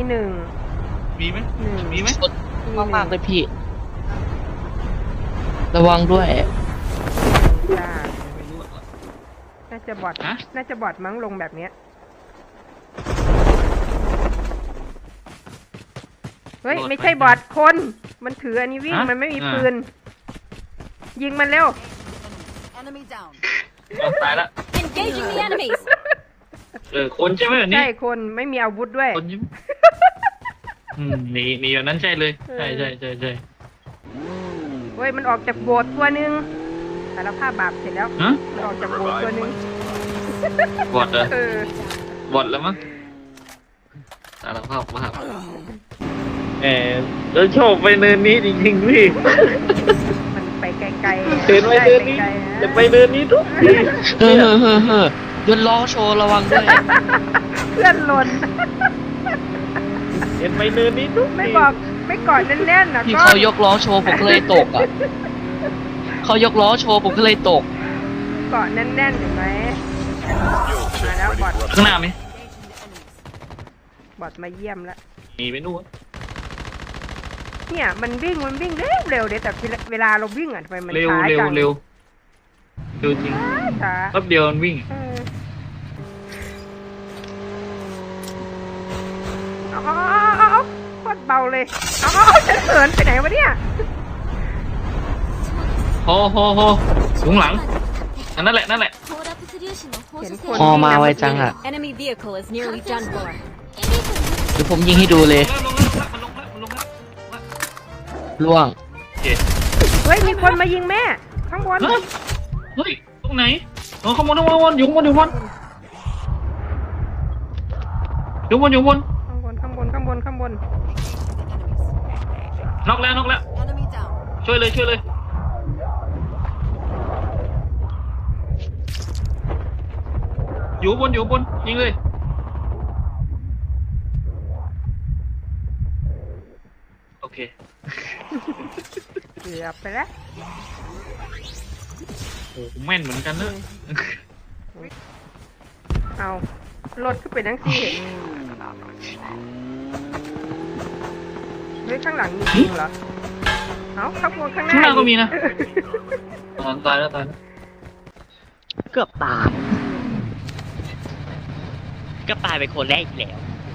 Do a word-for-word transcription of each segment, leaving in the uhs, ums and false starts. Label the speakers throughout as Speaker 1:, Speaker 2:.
Speaker 1: หนึ่ง
Speaker 2: มีไหม
Speaker 1: หนึ่ง
Speaker 2: มีไหม
Speaker 3: มากมากเลยพี่ระวังด้วย
Speaker 1: จ้าน่าจะบอดน่าจะบอดมั้งลงแบบเนี้ยเฮ้ยไม่ใช่บอดคนมันถืออันนี้วิ่งมันไม่มีปืนยิงมันเร็ว
Speaker 2: ตายละ
Speaker 4: Engaging the enemies
Speaker 2: เออคนใช่ไหมแบบนี้
Speaker 1: ใช่คนไม่มีอาวุธด้วย
Speaker 2: คนใช่ไหมอืมมีมีแบบนั้นใช่เลยใช่ใช่ใช่ใช่
Speaker 1: เฮ้ยมันออกจากโบสถ์ตัวนึงสารภาพบาปเสร็จแล้วมันออกจากโบสถ์ตัวนึง
Speaker 2: บอดเหรอ
Speaker 1: เออบ
Speaker 2: อดแล้วมั้งสารภาพบาปแหมแล้วโชคไปเนินนี้จริงๆพี่
Speaker 1: มันไปไกลๆ
Speaker 2: เดินไปเดินนี้จะไปเดินนี้ทุกที
Speaker 3: เฮ้อเฮ้อเฮ้อเฮ้อยนล้อโชว์ระวังด้วย
Speaker 1: เพื่อนหล่น
Speaker 2: เดินไปเดินนี้ทุกที
Speaker 1: ไม่บอกไม่กอดแน่นๆนะ
Speaker 3: พี่เขายกล้อโชว์ผมก็เลยตกอ่ะเขายกล้อโชว์ผมก็เลยตก
Speaker 1: เกาะแน่นๆเห็นไหมมาแล้วบอด
Speaker 2: ข้างหน้าไหม
Speaker 1: บอดมาเยี่ยมแล้ว
Speaker 2: มีไปนู่น
Speaker 1: เนี่ยมันวิ่งมันวิ่งเร็วเร็วเดี๋ยวแต่เวลาเราวิ่งอ่ะทำไมมัน
Speaker 2: เร็ว
Speaker 1: ช้า
Speaker 2: เร็ว
Speaker 1: จัง
Speaker 2: เร็วเร็วจริง
Speaker 1: ช้า
Speaker 2: แป๊บเดียวมันวิ่ง
Speaker 1: เอาเอาเอาเอาโคตรเบาเลยเอาเอาจะเขินไปไหนวะเนี่ย
Speaker 2: โฮโฮโฮสูงหลังอันนั่นแหละนั่นแหละ
Speaker 1: เห็นคน
Speaker 3: พอมาไวจังอ่ะ
Speaker 4: Enemy vehicle is nearly done for
Speaker 3: เดี๋ยวผมยิงให้ดูเลยล่วง
Speaker 1: เฮ้ยมีคนมายิงแม่ข้างบน
Speaker 2: เฮ้ยตรงไหนอ๋อข้างบนข้างบนอยู่ข้างบนอยู่ข้างบนอยู่บนอยู่บน
Speaker 1: ข้างบนข้างบนข้างบนข้างบน
Speaker 2: น็อกแล้วน็อกแล้วช่วยเลยช่วยเลยอยู่บนอยู่บนยิงเลยโอเค
Speaker 1: เกือบไปแล้ว
Speaker 2: โอ้แม่นเหมือนกันเนอะ
Speaker 1: เอารถขึ้นไปนั่งสิเฮ้ยข้างหลังมีจริงเหรอเอาข้างบนข้างหน้า
Speaker 2: ข้างหน้าก็มีนะตายแล้วตายแล้ว
Speaker 3: เกือบตายก็ตายไปคนแรกอีกแล้ว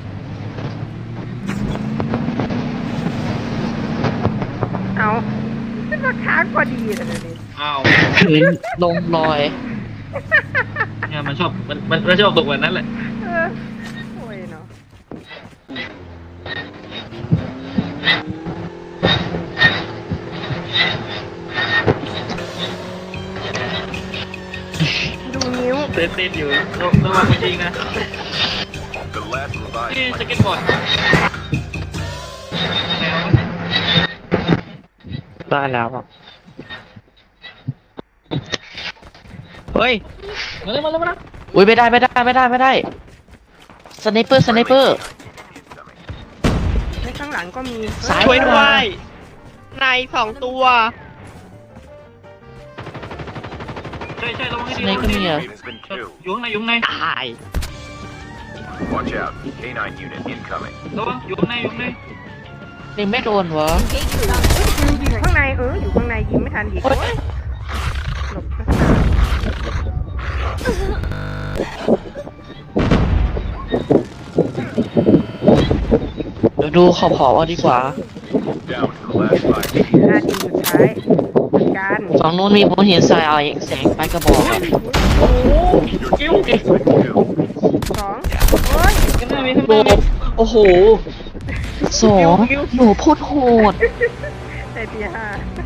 Speaker 1: เอาขึ้นมาค้างพอดีเลยนี่
Speaker 2: อ้าว
Speaker 3: พื้นลงลอย
Speaker 2: เนี่ยมันชอบมันมันมันชอบตกแบบนั้นแหละ
Speaker 1: เออโอ้ยเนาะดูนิ้ว
Speaker 2: เต้นเต้นอยู่ระวังจริงนะนี่สเก็ตบอร์ด
Speaker 3: ได้แล้วอ่ะเฮ้ย
Speaker 2: มาเลยมาเลยมาเลย
Speaker 3: อุ้ยไม่ได้ไม่ได้ไม่ได้ไม่ได้สไนเปอร์สไนเปอร์
Speaker 1: ในข้างหลังก็มี
Speaker 3: ช่วยด้วยในสองตัว
Speaker 2: ใช่ใช่ระวังให้ดี
Speaker 3: ในก็มีอ่ะ
Speaker 2: อยู่ข้างในอยู่ข้างใน
Speaker 3: ตาย
Speaker 5: Watch out เค ไนน์ unit incoming
Speaker 2: ระวังอยู่ข้างในอยู่ข้างใน
Speaker 3: ยังไม่โดนวะ
Speaker 1: อยู่ข้างในเอออยู่ข้างในยิงไม่ทันอีกหลบ
Speaker 3: เดี๋ยวดูขอบขอบเอาดีกว่า
Speaker 1: นาทีสุดท้ายการ
Speaker 3: ฝั่งนู้นมีผมเห็นสายเอาแสงไปกระบอกอะ
Speaker 1: โอ้กิ้วสองโอ้ย
Speaker 3: โอ้โอ้โหสองหนูพูดโหด
Speaker 1: แต่ตีห้า